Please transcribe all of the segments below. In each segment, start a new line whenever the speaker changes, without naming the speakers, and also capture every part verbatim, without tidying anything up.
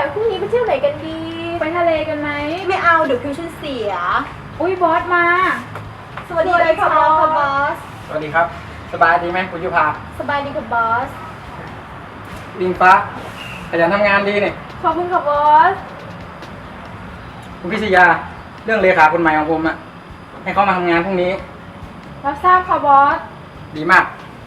พรุ่งนี้ไปเที่ยวไหนกันดี
ไปทะเลกันไหม
ไม่เอาเดี๋ยวคิวฉันเสีย
อุ้ยบอสมา
สวัสดีค่ะบอส
สวัสดีครับสบายดีไหมคุณยุพา
สบายดีค่ะบอส
ลิงฟ้าขยันทำงานดีนี่
ขอบคุณค่ะบอส
คุณพิชยาเรื่องเลขาคนใหม่ของผมอะให้เขามาทำงานพรุ่งนี้
รับทราบค่ะบอส
ดีมาก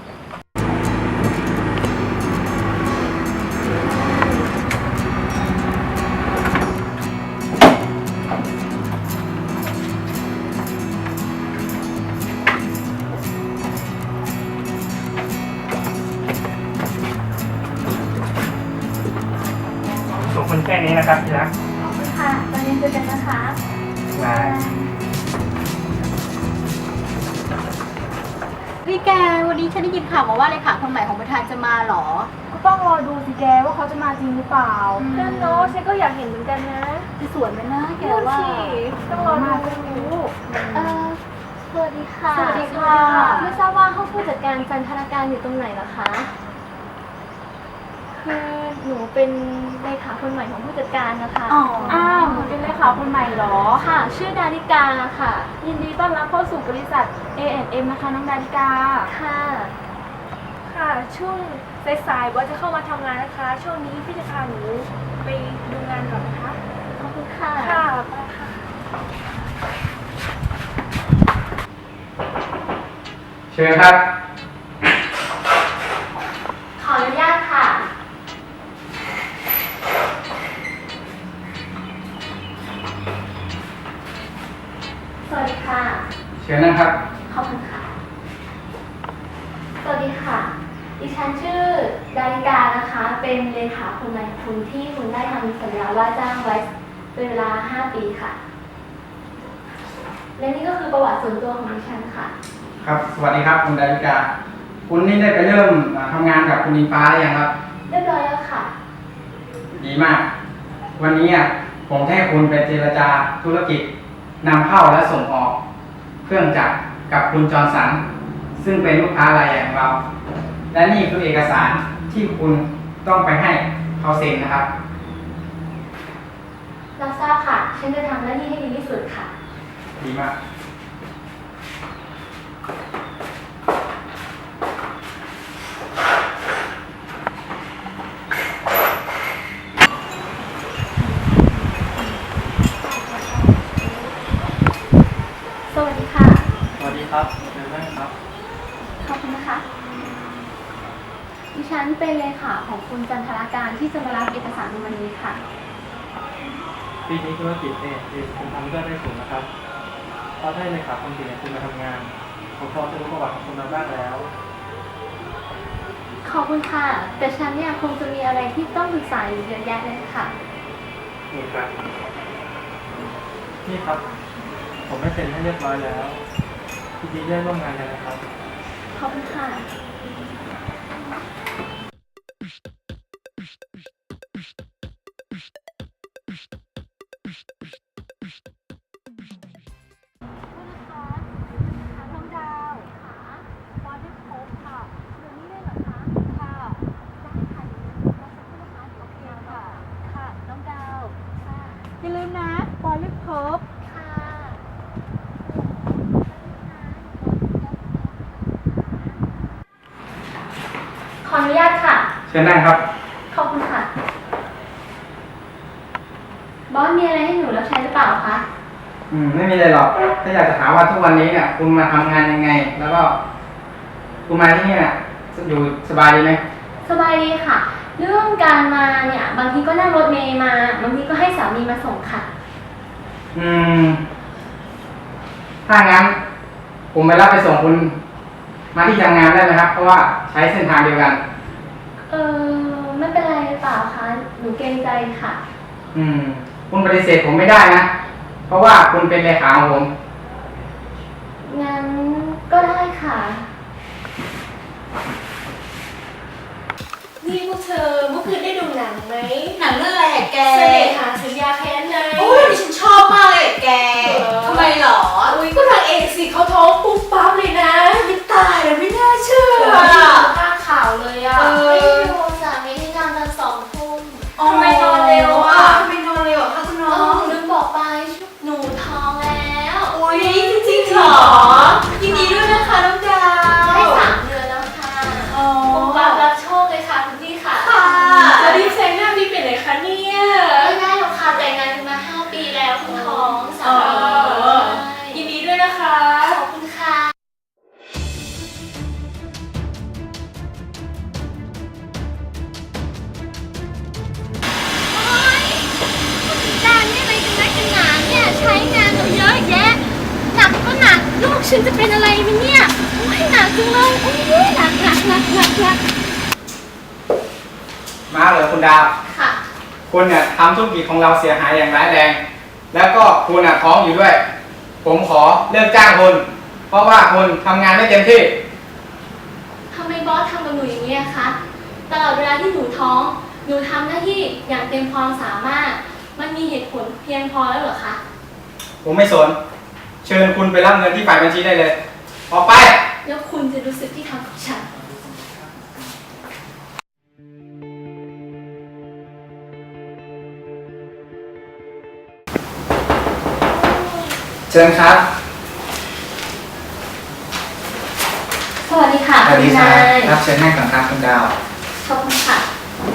ส่งคนแค่นี้นะครับที่รัก
ขอบคุณค่ะตอนนี้เจอกันนะคะ
บาย
พี่แกวันนี้ฉันได้ยินข่าวมาว่าเลขาคนใหม่ของประธานจะมาหรอ
ก็ต้องรอดูสิแกว่าเขาจะมาจริงหรือเปล่า
นั่นเนาะฉันก็อยากเห็นเหมือนกันนะจะสวยไหมนะแกว่า
ต้องรอดู
เออสวัสดีค่ะ
สวัสดีค่ะ
ไม่ทราบว่าห้องผู้จัดการจันทนาการอยู่ตรงไหนเหรอคะคือหนูเป็นเลขาคนใหม่ของผู้จัดการนะคะ
อ๋ออ้าวหนูเป็นเลขาคนใหม่เหรอ
ค่ะชื่อดาริกาค่ะ
ยินดีต้อนรับเข้าสู่บริษัท เอ แอนด์ เอ็ม นะคะน้องดาริกา
ค่ะ
ค่ะช่วงสายๆว่าจะเข้ามาทำงานนะคะช่วงนี้พี่จะพาหนูไปดูงานก่อนนะคะ
ขอบคุณค่ะ
ค่ะไปค่ะ
เชิญครับ
ขออนุญาตค่ะสวัสดีค่ะ
เชิญนะครับ
ขอบคุณค่ะสวัสดีค่ะดิฉันชื่อดาริกานะคะเป็นเลขาคนใหม่ของคุณที่คุณได้ทำสัญญาว่าจ้างไว้เป็นเวลาห้าปีค่ะและนี่ก็คือประวัติส่วนตัวของดิฉันค่ะ
ครับสวัสดีครับคุณดาริกาคุณนี่ได้ไปเริ่มทำงานกับคุณอิงฟ้าหรือยังครับ
เรียบร้อยแล้วค่ะ
ดีมากวันนี้อ่ะผมให้คุณไปเจรจาธุรกิจนำเข้าและส่งออกเครื่องจักรกับคุณจอร์นสันซึ่งเป็นลูกค้ารายใหญ่ของเราและนี่คือเอกสารที่คุณต้องไปให้เขาเซ็นนะครับ
เราทราบค่ะฉันจะทำหน้าที่ให้ดีที่สุดค่ะ
ดีมาก
สวัสดีค่ะ
สวัสดีครับเชิญนั่งครับ
ขอบคุณนะคะดิฉันเป็นเลขาของคุณจันทราการที่จะมารับเอกสารในวันนี้ค่ะ
ปีนี้ธุรกิจเองคุณทำได้ได้สูงนะครับเพราะได้เลขาคนเก่งคุณมาทำงานผมพอจะรู้ประวัติของคุณมาบ้างแล้ว
ขอบคุณค่ะแต่ฉันเนี่ยคงจะมีอะไรที่ต้องปรึกษาอยู่เยอะแยะเลยค่ะ
นี่ครับนี่ครับผมไม่เซ็นให้เรียบร้อยแล้วยินดีได้ร่วมงานกันนะครับ
ขอบคุณค่ะ
อย่าลืมนะบอลลิฟเพิร์ฟ
ค่ะขออนุญาตค่ะ
เชิญนั่งครับ
ขอบคุณค่ะบอสมีอะไรให้หนูรับใช้หรือเปล่าคะ
อืมไม่มีอะไรหรอกถ้าอยากจะถามว่าทุกวันนี้เนี่ยคุณมาทำงานยังไงแล้วก็คุณมาที่นี่เนี่ยอยู่สบายดีไหม
สบายดีค่ะเรื่องการมาเนี่ยบางทีก็นั่งรถเมล์มาบางทีก็ให้สามีมาส่งค่ะ
อืมถ้างั้นผมไปรับไปส่งคุณมาที่ทำงานได้ไหมครับเพราะว่าใช้เส้นทางเดียวกัน
เออไม่เป็นไรหรือเปล่าคะหนูเกรงใจค่ะ
อืมคุณปฏิเสธผมไม่ได้นะเพราะว่าคุณเป็นเลขาของผม
งั้นก็ได้ค่ะ
นี่พวกเธอเมื่อคืนได้ดูหนังไหม
หนังเรื่องอะไรอะแก
เสน่หาสัญญาแค้นไง
โอ้ยดิฉันชอบมากเลยแกทำไมหรอ
อุ้ยก็นางเอกสิเขาท้องปุ๊บปั๊บเลยนะ
ไม่ตายเลยไม่น่าเชื่อ
หน้าข่าวเลยอ่ะ
ไม่ดูสามีที่นอนตอนสองทุ่ม
ทำไมนอนเร็วอ่ะเหรอ ยินดีด้วยนะคะน้องดาว
ได้สามเดือนแล้วค่ะ
อ๋อ
ปุ๊บปั๊บรับโชคเลยค่ะคุณพี่ค่ะ
ค่ะจะรีบแซงหน้าพี่เป็นไหนคะเนี่ย
ไม่ได้หรอกค่ะแต่งงานกันมาห้าปีแล้วคุณท้องสา
อ๋อ
มี
ยินดีด้วยนะคะ
ขอบคุณค่ะ การเนี่ยอะไรกันนักกันหนาเนี่ยใช้งานเราเยอะแยะหนักก็หนักลูกฉันจะเป็นอะไรไหมเนี่ยโอ้ยหนักจังเลยโอ้ยหนักหนักหนักหนักหนัก
มาเลยคุณดาว
ค่ะ
คุณเนี่ยทำธุรกิจของเราเสียหายอย่างร้ายแรง แล้วก็คุณน่ะท้องอยู่ด้วย ผมขอเลิกจ้างคุณ เพราะว่าคุณทำงานไม่เต็มที่
ทำไมบอสทำกับหนูอย่างนี้อะคะตลอดเวลาที่หนูท้องหนูทำหน้าที่อย่างเต็มความสามารถมันมีเหตุผลเพียงพอแล้วเหรอคะ
ผมไม่สน เชิญคุณไปรับเงินที่ฝ่ายบัญชีได้เลย ออกไป
แล้วคุณจะรู้สึกที่ทำกับฉัน
เชิญครับ
สวัสดีค่ะ
สวัสดี
คุณ
ครั
นา
บ
ย
ครับเชิญนั่งก่อนครับคุณดาว
ขอบคุณค่ะ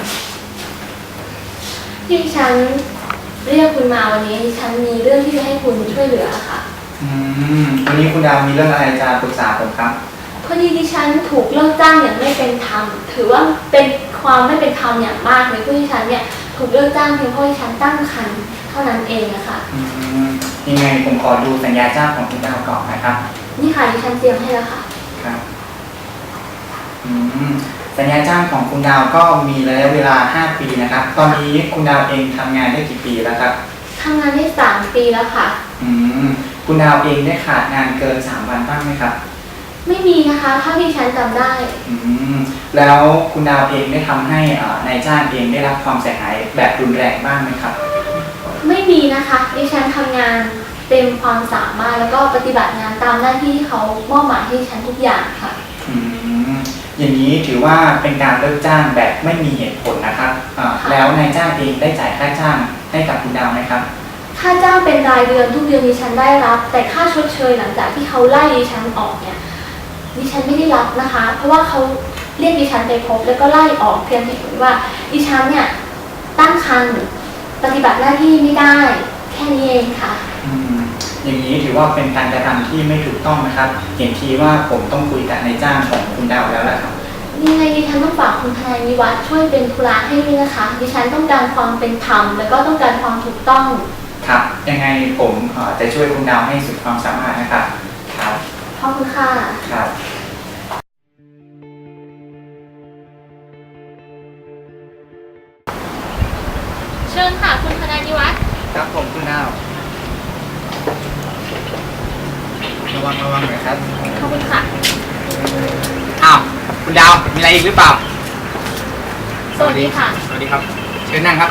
ที่ฉันเรียกคุณมาวันนี้ดิฉันมีเรื่องที่จะให้คุณช่วยเหลือค่ะ
อืมวันนี้คุณดาวมีเรื่องอะไรจะปรึกษาผมครับ
พอดีดิฉันถูกเลิกจ้างอย่างไม่เป็นธรรมถือว่าเป็นความไม่เป็นธรรมอย่างมากเลยผู้ที่ฉันเนี่ยถูกเลิกจ้างเพียงเพราะที่ฉันตั้งครรภ์เท่านั้นเองนะคะ
อืมยังไงผมขอดูสัญญาจ้างของคุณดาวก่อนนะครับ
นี่ค่ะดิฉันเตรียมให้แล้วค่ะ
ครับอืมสัญญาจ้างของคุณดาวก็มีระยะเวลาห้าปีนะครับ ตอนนี้คุณดาวเองทำงานได้กี่ปีแล้วครับ
ทำงานได้สามปีแล้วค่ะ
อืมคุณดาวเองได้ขาดงานเกินสามวันบ้างไหมครับ
ไม่มีนะคะเท่าที่ฉันจำได้
อืมแล้วคุณดาวเองได้ทำให้อ่านายจ้างเองได้รับความเสียหายแบบรุนแรงบ้างไหมครับ
ไม่มีนะคะดิฉันทำงานเต็มความสามารถแล้วก็ปฏิบัติงานตามหน้าที่ที่เขามอบหมายให้ดิฉันทุกอย่างค่ะ
อืมอย่างนี้ถือว่าเป็นการเลิกจ้างแบบไม่มีเหตุผลนะครับอ่า
ค่ะ
แล้วนายจ้างเองได้จ่ายค่าจ้างให้กับคุณดาวไหมครับ
ค่าจ้างเป็นรายเดือนทุกเดือนดิฉันได้รับ แต่ค่าชดเชยหลังจากที่เขาไล่ดิฉันออกเนี่ยดิฉันไม่ได้รับนะคะ เพราะว่าเขาเรียกดิฉันไปพบแล้วก็ไล่ออกเพียงเหตุผลว่าดิฉันเนี่ยตั้งครรภ์ปฏิบัติหน้าที่ไม่ได้แค่นี้เองค่ะ
อืมอย่างนี้ถือว่าเป็นการกระทำที่ไม่ถูกต้องนะครับ เห็นทีว่าผมต้องคุยกับนายจ้างของคุณดาวแล้วล่ะครับ
ยังไงดิฉันต้องฝากคุณทนายวิวัฒน์ช่วยเป็นธุระให้ด้วยนะคะ ดิฉันต้องการความเป็นธรรมแล้วก็ต้องการความถูกต้อง
ครับ ยังไงผมเอ่อจะช่วยคุณดาวให้สุดความสามารถนะครับ ครับ
ขอบคุณค่ะ
ครับ
เชิญค่ะคุณทนายวิวัฒน์
ครับผมคุณดาว ระวังระวังหน่อยครับ
ขอบคุณค่ะ
อ้าว คุณดาว มีอะไรอีกหรือเปล่า
สวัสดีค่ะ
สวัสดีครับ เชิญนั่งครับ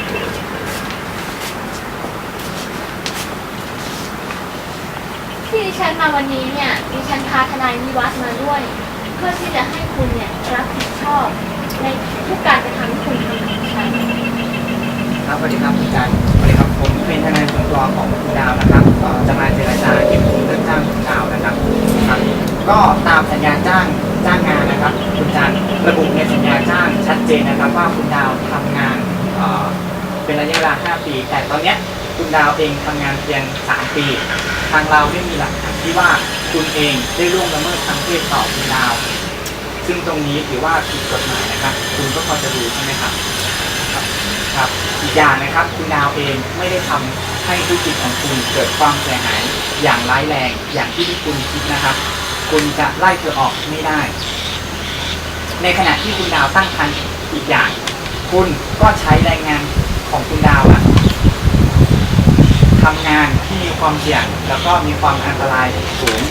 ที่ดิฉันมาวันนี้เนี่ยดิฉันพาทนายวิวัฒน์มาด้วย เพื่อที่จะให้คุณเนี่ยรับผิดชอบในทุกการกระทำที่คุณทำกับดิฉัน
ครับสวัสดีครับคุณการสวัสดีครับผมเป็นทนายส่วนตัวของคุณดาวนะครับเอ่อจะมาเจรจาเก็บทุนเรื่องจ้างคุณดาวนะครับครับ ก็ตามสัญญาจ้างจ้างงานนะครับ คุณจันระบุในสัญญาจ้างชัดเจนนะครับ ว่าคุณดาวทำงานเอ่อเป็นระยะเวลาห้าปี แต่ตอนเนี้ยคุณดาวเองทำงานเพียงสามปี ทางเราไม่มีหลักฐานที่ว่าคุณเองได้ล่วงละเมิดทางเพศต่อคุณดาว ซึ่งตรงนี้ถือว่าผิดกฎหมายนะครับ คุณก็พอจะรู้ใช่ไหมครับ ครับอีกอย่างนะครับคุณดาวเองไม่ได้ทำให้ธุรกิจของคุณเกิดความเสียหายอย่างร้ายแรงอย่างที่ที่คุณคิดนะครับ คุณจะไล่เธอออกไม่ได้ ในขณะที่คุณดาวตั้งครรภ์อีกอย่าง คุณก็ใช้แรงงานของคุณดาวอะทำงานที่มีความเสี่ยงแล้วก็มีความอันตรายสูง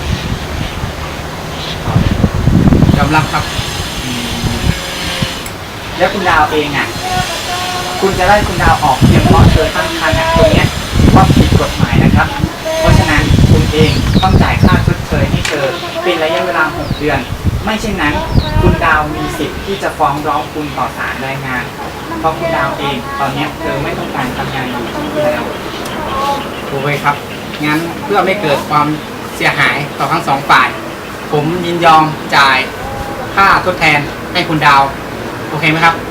ยอมรับครับแล้วคุณดาวเองอ่ะคุณจะไล่คุณดาวออกเพียงเพราะเธอตั้งครรภ์ตรงนี้ถือว่าผิดกฎหมายนะครับ เพราะฉะนั้นคุณเองต้องจ่ายค่าชดเชยให้เธอเป็นระยะเวลาหกเดือน ไม่เช่นนั้นคุณดาวมีสิทธิ์ที่จะฟ้องร้องคุณต่อศาลแรงงาน เพราะคุณดาวเองตอนนี้เธอไม่ต้องการทำงานอยู่ที่นี่แล้วโอเคครับงั้นเพื่อไม่เกิดความเสียหายต่อทั้งสองฝ่าย ผมยินยอมจ่ายค่าทดแทนให้คุณดาว โอเคไหมครับ